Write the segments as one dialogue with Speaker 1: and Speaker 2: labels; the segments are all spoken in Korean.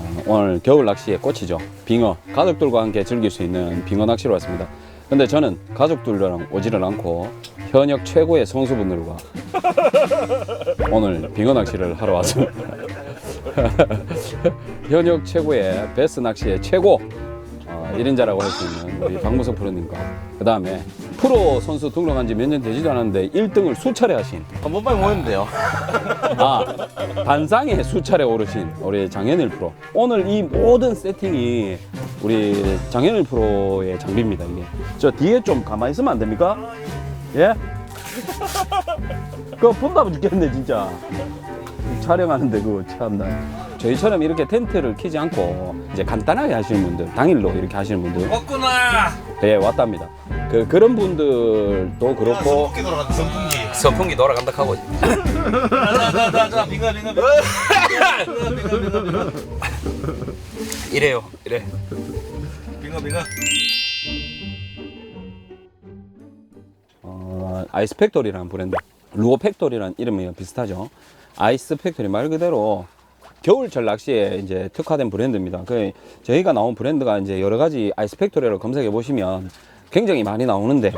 Speaker 1: 오늘 겨울 낚시의 꽃이죠. 빙어. 가족들과 함께 즐길 수 있는 빙어 낚시로 왔습니다. 근데 저는 가족들이랑 오지를 않고 현역 최고의 선수분들과 오늘 빙어 낚시를 하러 왔습니다. 현역 최고의 베스 낚시의 최고 1인자라고 할 수 있는 우리 박무석 프로님과 그 다음에 프로 선수 등록한 지 몇 년 되지도 않았는데 1등을 수차례 하신
Speaker 2: 한번 빨리 모이면 돼요.
Speaker 1: 단상에 수차례 오르신 우리 장현일 프로. 오늘 이 모든 세팅이 우리 장현일 프로의 장비입니다. 이게 저 뒤에 좀 가만히 있으면 안 됩니까? 예? 그거 본다면 죽겠네 진짜. 촬영하는데 그거 참나. 저희처럼 이렇게 텐트를 키지 않고 이제 간단하게 하시는 분들, 당일로 이렇게 하시는 분들
Speaker 2: 왔구나.
Speaker 1: 네 왔답니다. 그런 분들도 그렇고
Speaker 2: 선풍기 돌아간다. 선풍기.
Speaker 1: 선풍기 돌아간다 하고
Speaker 2: 자, 빙가.
Speaker 1: 이래요 이래.
Speaker 2: 빙가.
Speaker 1: 아이스 팩토리라는 브랜드, 루어 팩토리라는 이름이 비슷하죠. 아이스 팩토리 말 그대로 겨울철 낚시에 이제 특화된 브랜드입니다. 저희가 나온 브랜드가 이제 여러 가지 아이스 팩토리를 검색해 보시면 굉장히 많이 나오는데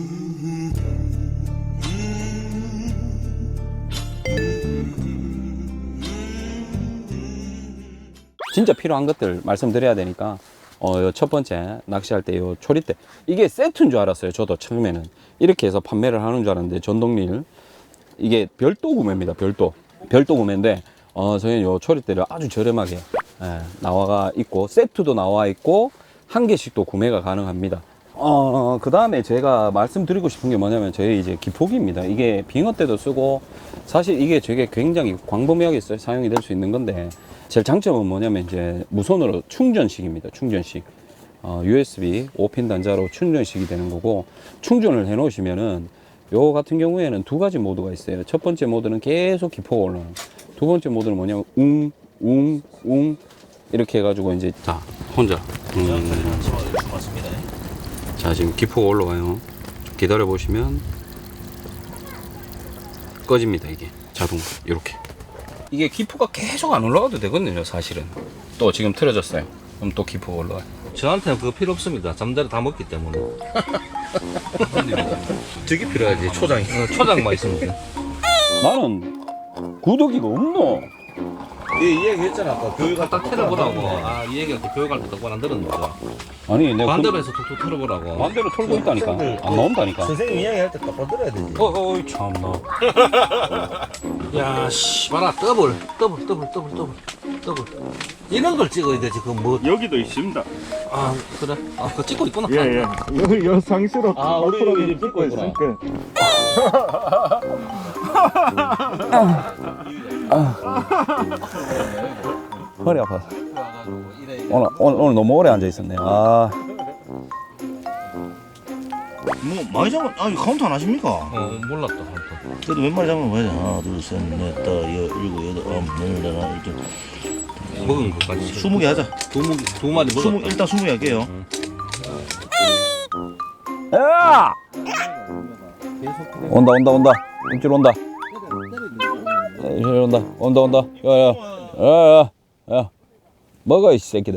Speaker 1: 진짜 필요한 것들 말씀드려야 되니까 요 첫 번째 낚시할 때 요 초리대, 이게 세트인 줄 알았어요. 저도 처음에는 이렇게 해서 판매를 하는 줄 알았는데 전동릴, 이게 별도 구매입니다. 별도 구매인데 저희는 요 초리대를 아주 저렴하게 나와 있고 세트도 나와 있고 한 개씩도 구매가 가능합니다. 그 다음에 제가 말씀드리고 싶은 게 뭐냐면 저희 이제 기포기입니다. 이게 빙어 때도 쓰고 사실 이게 되게 굉장히 광범위하게 사용이 될 수 있는 건데 제일 장점은 뭐냐면 이제 무선으로 충전식입니다. 충전식. USB 5핀 단자로 충전식이 되는 거고, 충전을 해 놓으시면은 요 같은 경우에는 두 가지 모드가 있어요. 첫 번째 모드는 계속 기포가 올라요. 두 번째 모드는 뭐냐면 웅 이렇게 해가지고 이제 자 혼자 자 지금 기포가 올라가요. 기다려 보시면 꺼집니다. 이게 자동으로 이렇게. 이게 기포가 계속 안 올라가도 되거든요. 사실은 또 지금 틀어졌어요. 그럼 또 기포가 올라가요.
Speaker 3: 저한테는 그거 필요 없습니다. 잠자리 다 먹기 때문에.
Speaker 2: 저게 필요하지. 초장이.
Speaker 3: 초장만 있으면 돼.
Speaker 1: 나는 구더기가 없노.
Speaker 2: 이 얘기 했잖아. 아까 교육할
Speaker 3: 딱 틀어보라고. 아, 이 얘기할 때 교육할 때 똑바로 안 들었는 거죠.
Speaker 1: 아니 내가
Speaker 3: 반대로 해서 툭툭 틀어보라고.
Speaker 1: 반대로 털고 있다니까. 안 나온다니까.
Speaker 2: 선생님 이야기할 때 똑바로 들어야 되지.
Speaker 1: 어이 참나.
Speaker 3: 야, 씨, 봐라. 더블. 이런 걸 찍어야 되지. 그 뭐.
Speaker 4: 여기도 있습니다.
Speaker 3: 아, 그래. 아, 그거 찍고 있구나.
Speaker 4: 예. 여 상시로
Speaker 1: 우리 이제 찍고 있구나. 허리 아파. 오늘 너무 오래 앉아 있었네.
Speaker 2: 뭐 많이 잡아. 아니 카운트 안 하십니까?
Speaker 3: 몰랐다.
Speaker 2: 그래도 몇 마리 잡으면 뭐야? 하나, 둘, 셋, 넷, 다섯, 일곱, 여덟, 아홉, 열, 열하나, 이렇게.
Speaker 3: 먹은 것까지.
Speaker 2: 20개 하자.
Speaker 3: 두 마리 먹었다.
Speaker 2: 일단 20개 할게요.
Speaker 1: 야! 온다. 입질 온다. 온다. 야. 먹어 이 새끼들.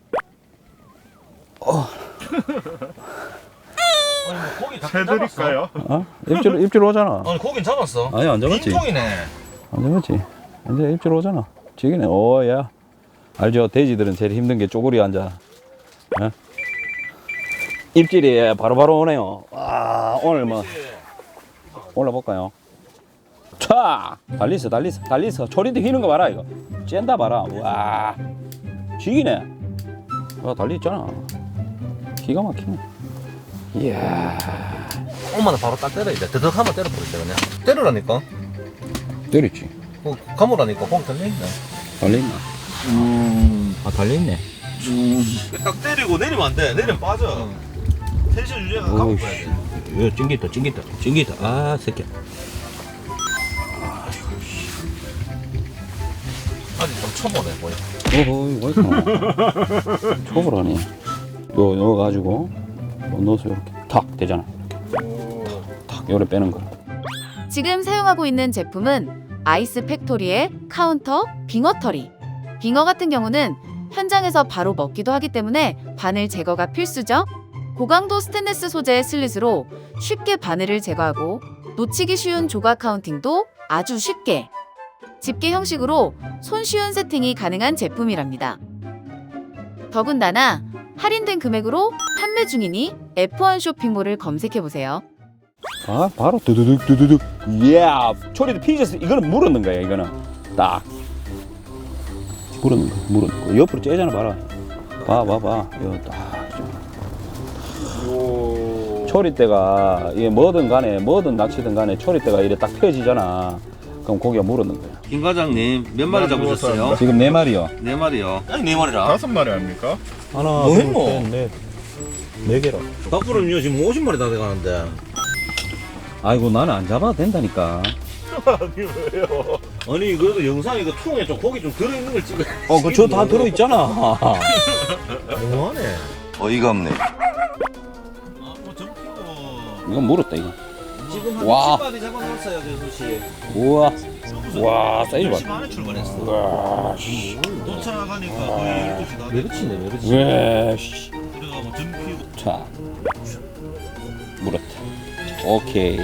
Speaker 2: 고기 다
Speaker 4: 해드릴까요?
Speaker 1: 입질 오잖아.
Speaker 2: 아니 고기는 잡았어.
Speaker 1: 아니 안 잡았지.
Speaker 2: 빈통이네.
Speaker 1: 안 잡았지. 이제 입질 오잖아. 지기네. 야. 알죠? 돼지들은 제일 힘든 게 쪼그리 앉아. 입질이 바로바로 오네요. 와, 오늘 뭐 올라볼까요? 차! 달리서. 초리대 휘는 거 봐라, 이거. 쨘다 봐라. 와, 지기네. 와, 달리 있잖아. 기가 막히네. 이야.
Speaker 3: 엄마는 바로 딱 때려야 돼. 드덕 한번 때려버리자, 그냥. 때려라니까.
Speaker 1: 때렸지.
Speaker 3: 감으라니까. 거기 달려있네.
Speaker 1: 달려있나? 달려있네.
Speaker 2: 딱 때리고 내리면 안 돼. 내리면 빠져. 텐션 유지가 감고 가야 돼.
Speaker 1: 이거 찡기다. 아, 새끼야.
Speaker 3: 아직 좀 초보네, 뭐야.
Speaker 1: 왜 이렇게 초보라니. 요 넣어가지고 넣어서 이렇게 탁 되잖아. 탁 요래 빼는 거.
Speaker 5: 지금 사용하고 있는 제품은 아이스 팩토리의 카운터 빙어터리. 빙어 같은 경우는 현장에서 바로 먹기도 하기 때문에 바늘 제거가 필수죠. 고강도 스테인리스 소재의 슬릿으로 쉽게 바늘을 제거하고 놓치기 쉬운 조각 카운팅도 아주 쉽게 집게 형식으로 손쉬운 세팅이 가능한 제품이랍니다. 더군다나 할인된 금액으로 판매 중이니 F1 쇼핑몰을 검색해보세요.
Speaker 1: 아 바로 두두둑 이야 초리도 피졌어. 이거는 물었는 거야. 이거는 딱 물었는 거 옆으로 째잖아. 봐라 봐봐 이거 딱 초리대가 이게 뭐든 간에 뭐든 낚시든 간에 초리대가 이래 딱 펴지잖아. 그럼 고기가 물었는 거야.
Speaker 2: 김 과장님 몇 마리 잡으셨어요?
Speaker 1: 지금 4마리요.
Speaker 2: 4마리요. 아니 4마리라.
Speaker 4: 5마리 아닙니까?
Speaker 3: 하나,
Speaker 2: 뭐
Speaker 3: 둘,
Speaker 2: 했노?
Speaker 3: 셋, 넷. 4개로.
Speaker 2: 밖으로는요 지금 50마리 다 돼가는데.
Speaker 1: 아이고 나는 안 잡아도 된다니까.
Speaker 2: 아니 그래도 영상에 그 통에 좀 고기 좀 들어있는 걸 찍어.
Speaker 1: 그저 다 들어있잖아.
Speaker 2: 너무하네. 어이가 없네. 아뭐 정키고.
Speaker 1: 이건 물었다 이거.
Speaker 2: 지금 한
Speaker 1: 와.
Speaker 2: 10마리 잡아놨어요 재수씨.
Speaker 1: 우와 와 사이즈 봐.
Speaker 2: 10시 반에 출발했어.
Speaker 1: 와 씨.
Speaker 2: 도착하니까 거의 12시 다 됐고.
Speaker 3: 메르치네, 메르치.
Speaker 1: 왜 씨.
Speaker 2: 그래가지고 정키고.
Speaker 1: 자 물었다. 오케이.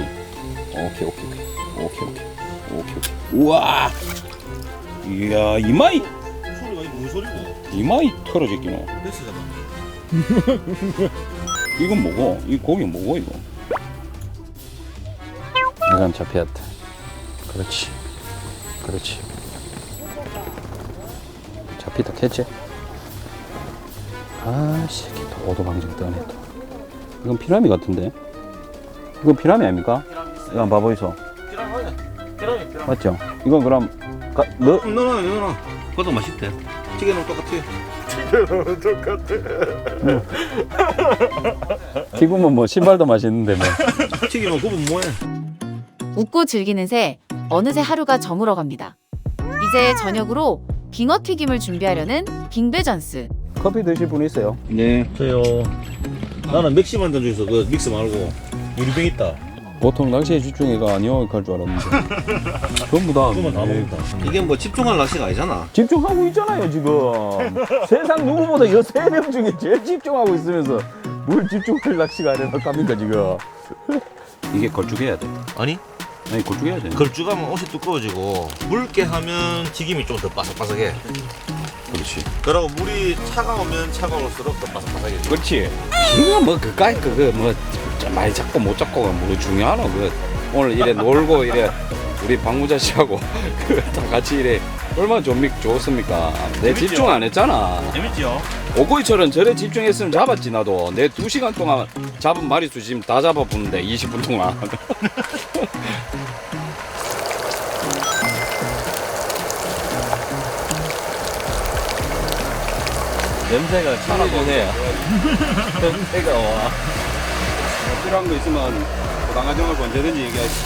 Speaker 1: 우와. 이야 이마이
Speaker 2: 소리가 이거 뭔 소리고?
Speaker 1: 이마이 털어졌기노.
Speaker 2: 됐어 잡아.
Speaker 1: 이건 뭐고? 이 고기 뭐고 이거? 이건 잡혔다. 그렇지. 잡히다 캤지? 아 새끼 또 오도방정 떠네 또. 이건 피라미 같은데? 이건 피라미 아닙니까? 이거 한번 봐보이소.
Speaker 2: 피라미.
Speaker 1: 맞죠? 이건 그럼 너
Speaker 2: 넣어놔. 그것도 맛있대. 튀겨놓으면 똑같아.
Speaker 1: 튀기면 뭐 신발도 맛있는데 뭐.
Speaker 2: 튀기면 그분 뭐해?
Speaker 5: 웃고 즐기는 새 어느새 하루가 저물어갑니다. 이제 저녁으로 빙어 튀김을 준비하려는 빙배전스.
Speaker 1: 커피 드실 분 있어요?
Speaker 2: 네. 저요. 나는 맥시 만든 중에서 그 믹스 말고 유리병 있다.
Speaker 1: 보통 낚시에 집중해가 아니요 할 줄 알았는데 전부 다
Speaker 2: 그거만 다 먹는다. 이게 뭐 집중할 낚시가 아니잖아.
Speaker 1: 집중하고 있잖아요 지금. 세상 누구보다 여 3명 중에 제일 집중하고 있으면서 뭘 집중할 낚시가 아니라 갑니까 지금. 이게 걸쭉해야 돼.
Speaker 2: 아니?
Speaker 1: 아니 걸쭉해야 돼.
Speaker 2: 걸쭉하면 옷이 두꺼워지고 묽게 하면 튀김이 좀 더 바삭바삭해.
Speaker 1: 그렇지.
Speaker 2: 그러고 물이 차가우면 차가울수록 더 바삭바삭해.
Speaker 1: 그렇지. 이거 뭐 그까이 그뭐 많이 잡고 못 잡고가 뭐 중요하노. 그 오늘 이래 놀고 이래 우리 박무자 씨하고 그 다 같이 이래 얼마나 좋습니까? 내
Speaker 2: 재밌죠?
Speaker 1: 집중 안 했잖아.
Speaker 2: 재밌지요?
Speaker 1: 오코이처럼 저래 집중했으면 잡았지 나도. 내 2시간 동안 잡은 마리수 지금 다 잡아보는데 20분 동안.
Speaker 3: 냄새가 진해지네. 냄새가 와.
Speaker 1: 필요한 거 있으면 고당가정을 언제든지 얘기하시.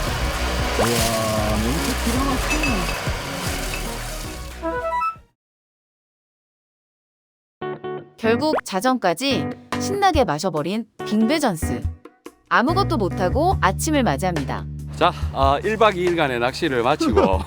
Speaker 5: 결국 자정까지 신나게 마셔버린 빙배전스. 아무것도 못하고 아침을 맞이합니다.
Speaker 1: 자, 1박 2일간의 낚시를 마치고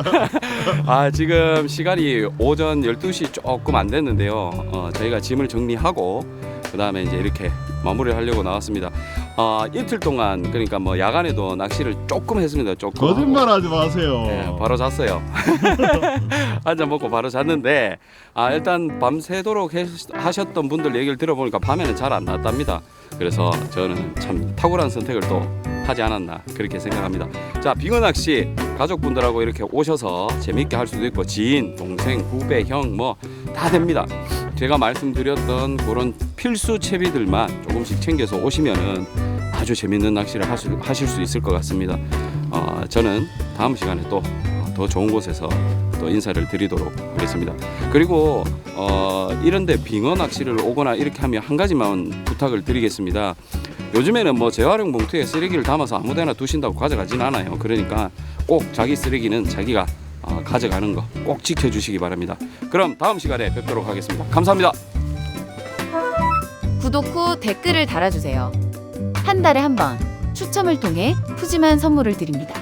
Speaker 1: 지금 시간이 오전 12시 조금 안 됐는데요. 저희가 짐을 정리하고 그 다음에 이제 이렇게 마무리를 하려고 나왔습니다. 이틀 동안 그러니까 뭐 야간에도 낚시를 조금 했습니다. 조금.
Speaker 4: 거짓말하지 마세요.
Speaker 1: 네, 바로 잤어요. 한 잔 먹고 바로 잤는데 일단 밤새도록 하셨던 분들 얘기를 들어보니까 밤에는 잘 안 나왔답니다. 그래서 저는 참 탁월한 선택을 또 하지 않았나 그렇게 생각합니다. 자, 빙어 낚시 가족분들하고 이렇게 오셔서 재밌게 할 수도 있고 지인, 동생, 후배, 형 뭐 다 됩니다. 제가 말씀드렸던 그런 필수 채비들만 조금씩 챙겨서 오시면은 아주 재밌는 낚시를 하실 수 있을 것 같습니다. 저는 다음 시간에 또 더 좋은 곳에서 또 인사를 드리도록 하겠습니다. 그리고 이런데 빙어 낚시를 오거나 이렇게 하면 한 가지만 부탁을 드리겠습니다. 요즘에는 뭐 재활용 봉투에 쓰레기를 담아서 아무데나 두신다고 가져가진 않아요. 그러니까 꼭 자기 쓰레기는 자기가 가져가는 거 꼭 지켜주시기 바랍니다. 그럼 다음 시간에 뵙도록 하겠습니다. 감사합니다.
Speaker 5: 구독 후 댓글을 달아주세요. 한 달에 한 번 추첨을 통해 푸짐한 선물을 드립니다.